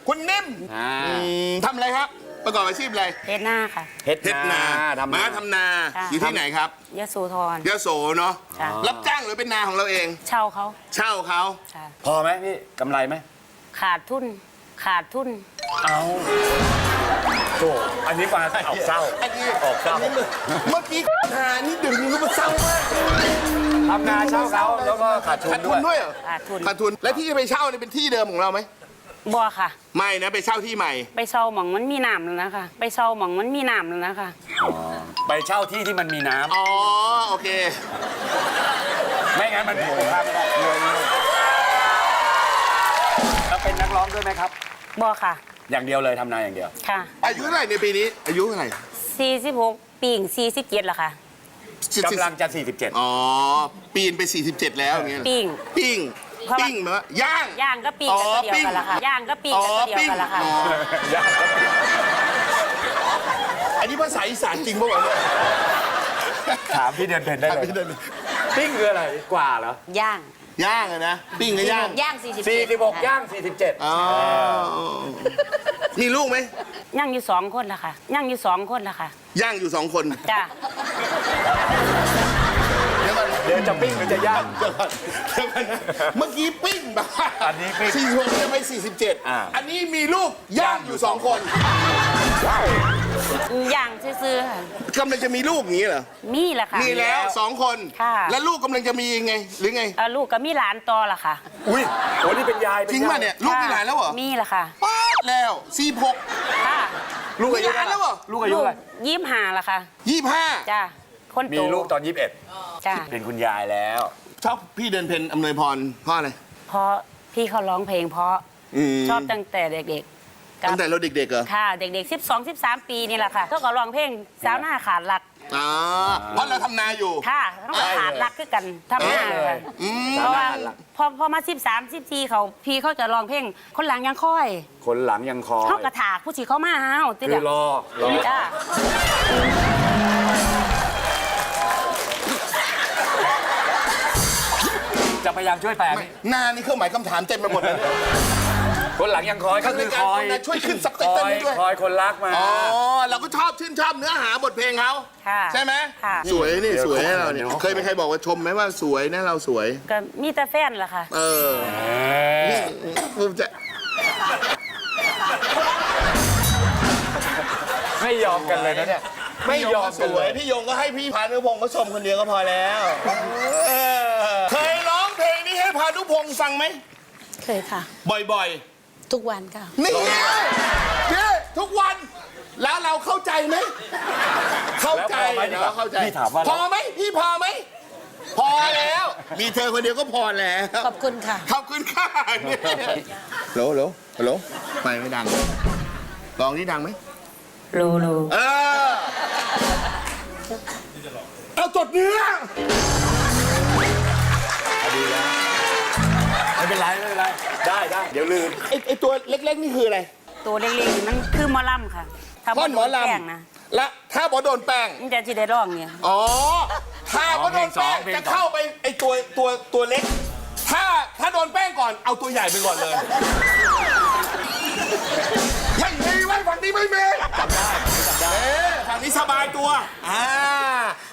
คุณนิ่มทำอะไรครับประกอบอาชีพอะไรเฮ็ดหน้าค่ะเฮ็ดเฮ็ดนาทำมาทำนาอยู่ที่ไหนครับยโสธรยโสเนาะค่ะรับจ้างหรือเป็นนาของเราเองเช่าเขาเช่าเขาค่ะพอไหมพี่กำไรไหมขาดทุนขาดทุนเอาโถอันนี้มาออกเศร้าอันนี้ออกเศร้าเมื่อกี้นานี่ดึงก็มาเศร้ามากทำนาเช่าเขาแล้วก็ขาดทุนขาดทุด้วน ยด้วยเหรอขาดทุนขาดทุนและที่จะไปเช่าเนี่ยเป็นที่เดิมของเราไหมบ่ค่ะไม่นะไปเช่าที่ใหม่ไปเช่าหม่องมันมีน้ำแล้วนะคะไปเช่าหม่องมันมีน้ำแล้วนะคะไปเช่าที่ที่มันมีน้ำอ๋อโอเคไม่งั้นมันถูกครับแล้วเป็นนักร้องด้วยไหมครับบ่ค่ะอย่างเดียวเลยทำนาอย่างเดียวค่ะอายุเท่าไหร่ในปีนี้อายุเท่าไหร่ 46ปี47ละค่ะกำลังจะ 47 อ๋อปีนไป 47 แล้วอย่างเงี้ยเหรอปิ้งปิ้งเพราะว่าปิ้งเหรอย่างย่างก็ปิ้งอ๋อกันตัวเดียวกันละค่ะปิ้งย่างก็ปิ้งกันตัวเดียวกันละค่ะอ๋ออันนี้ภาษาอีสานจริงป่าวะเนี่ยถามพี่เดือนเพ็ญได้เลยพี่เดินปิ้งคืออะไรกว่าเหรอย่างย่างอะนะปิ้งกับย่างย่าง47 46 ย่าง 47 อ๋อมีลูกไหมย่างอยู่2คนละค่ะย่างอยู่2คนละค่ะย่างอยู่2 คนจ้าเดี๋ยวก่อนเดี๋ยวจะปิ้งหรือจะย่างเดี๋ยวก่อนเมื่อกี้ปิ้งแบบอันนี้ปิ้ง 46จะไปอ่า 47 อันนี้มีลูกย่างอยู่2 คนย่างซื่อๆค่ะกำลังจะมีลูกอย่างนี้เหรอมีละค่ะมีแล้ว2 คนค่ะแล้วลูกกำลังจะมียังไงหรือไงลูกก็มีหลานต่อละค่ะอุ้ยโอ้นี่เป็นยายจริงป่ะเนี่ยลูกมีหลานแล้วเหรอมีละค่ะป๊าดแล้ว46 ค่ะลูกอายุมีหลานแล้วเหรอลูกอายุอะไร 25ละค่ะ 25 จ้าคนโตมีลูกตอนจ้า 21 เป็นคุณยายแล้วชอบพี่เดินเพนอำนวยพรเพราะอะไรเพราะพี่เขาร้องเพลงเพราะมชอบตั้งแต่เด็กๆกับตั้งแต่เราเด็กๆเหรอค่ะ เด็กๆ12-13 ปีนี่แหละค่ะเขาก็ร้องเพลงสาวหน้าขาดหลักอ๋อเพราะเราทำนาอยู่ค่ะเขาก็ขาดหลักคือกันทำหน้าเลค่ะยเพราะว่าพอมา13-14เขาพี่เขาจะร้องเพลงคนหลังยังค่อยคนหลังยังคอยเขากระถากผู้ชีเขามาเฮาติดคือรอจ้าจะพยายามช่วยแปลไหมนานี่เครื่องหมายคำถามเต็มไปหมดเลยเนี่ยคนหลังยังคอยก็คือคอยช่วยขึ้นซับไตคเติ้อลยให้ด้วยคอยคนรักมาอ๋อเราก็ชื่นชอบเนื้อหาบทเพลงเขาค่ะใช่ไหมค่ะสวยนี่เดี๋ยวสวยให้เราเนี่ยเดี๋ยวเคยมีใครบอกว่าชมไหมว่าสวยนะเราสวยก็มีแต่แฟนล่ะค่ะเออภูมิใจไม่ยอมกันเลยนะเนี่ย ไม่ยอมสกันวเลย ยพี่ยงก็ให้พี่พานุพงศ์เขาชมคนเดียวก็พอแล้วเคยร้องเพลงนี้ให้พานุพงศ์ฟังไหมเคยค่ะบ่อยทุกวันค่ะๆนี่นี่ทุกวันแล้วเราเข้าใจไหมเข้าใจแล้วพอไหมดีกว่าเราเข้าใจพี่ถามว่าพอไหมพี่พอไหมพอแล้ว มีเธอคนเดียวก็พอแล้วขอบคุณค่ะขอบคุณค่ะโหลโหลโหลไม่ดังลองนี่ดังไหมรู้เออเอาจดเนื้อไม่เป็นไรไม่เป็นไร ได้ได้เดี๋ยวลืมไอตัวเล็กๆนี่คืออะไรตัวเล็กๆนี่มันคือหมอลำค่ะถ้าท่อนหมอลแป้งนะำและถ้าบอโดนแป้งมันจะที่ได้ร้องเนี่ยอ๋อ ถ้าบอโดนแป้งจะเข้าไปไอตัวเล็ก ถ้าโดนแป้งก่อนเอาตัวใหญ่ไปก่อนเลยไม่มีไว้ฝั่งนี้ไม่มีจำได้ฝั่งนี้สบายตัว